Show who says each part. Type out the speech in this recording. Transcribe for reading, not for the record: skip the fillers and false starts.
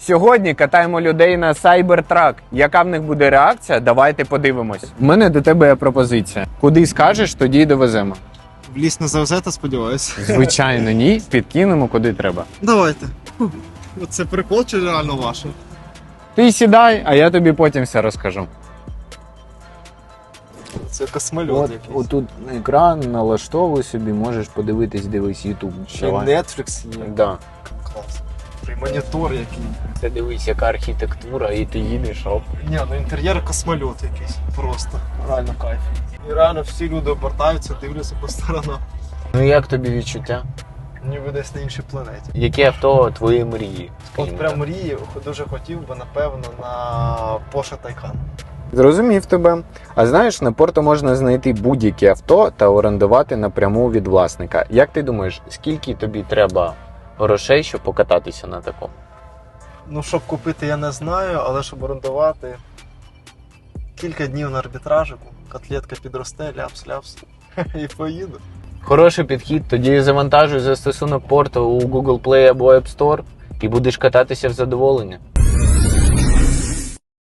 Speaker 1: Сьогодні катаємо людей на Cybertruck. Яка в них буде реакція? Давайте подивимось. У мене до тебе є пропозиція. Куди скажеш, тоді й довеземо.
Speaker 2: В ліс не завезете, сподіваюся.
Speaker 1: Звичайно, ні. Підкинемо куди треба.
Speaker 2: Давайте. Це прикол чи реально ваше?
Speaker 1: Ти сідай, а я тобі потім все розкажу.
Speaker 2: Це космольот якийсь.
Speaker 1: Отут екран, налаштовуй собі, можеш подивитись, дивись YouTube.
Speaker 2: Ще й Netflix є.
Speaker 1: Да.
Speaker 2: Клас. І монітор який.
Speaker 1: Ти дивись, яка архітектура, і ти їдеш, оп.
Speaker 2: Ні, ну інтер'єр космольот якийсь. Просто. Реально кайф. І реально всі люди обертаються, дивляться по сторонам.
Speaker 1: Ну як тобі відчуття?
Speaker 2: Ніби десь на іншій планеті.
Speaker 1: Яке авто твої мрії?
Speaker 2: От прям мрії, дуже хотів би, напевно, на Porsche Taycan.
Speaker 1: Зрозумів тебе. А знаєш, на порту можна знайти будь-яке авто та орендувати напряму від власника. Як ти думаєш, скільки тобі треба грошей, щоб покататися на такому?
Speaker 2: Ну, щоб купити, я не знаю, але щоб орендувати кілька днів на арбітражику, котлетка підросте, ляпс-ляпс, і поїду.
Speaker 1: Хороший підхід, тоді завантажуй застосунок порту у Google Play або App Store і будеш кататися в задоволення.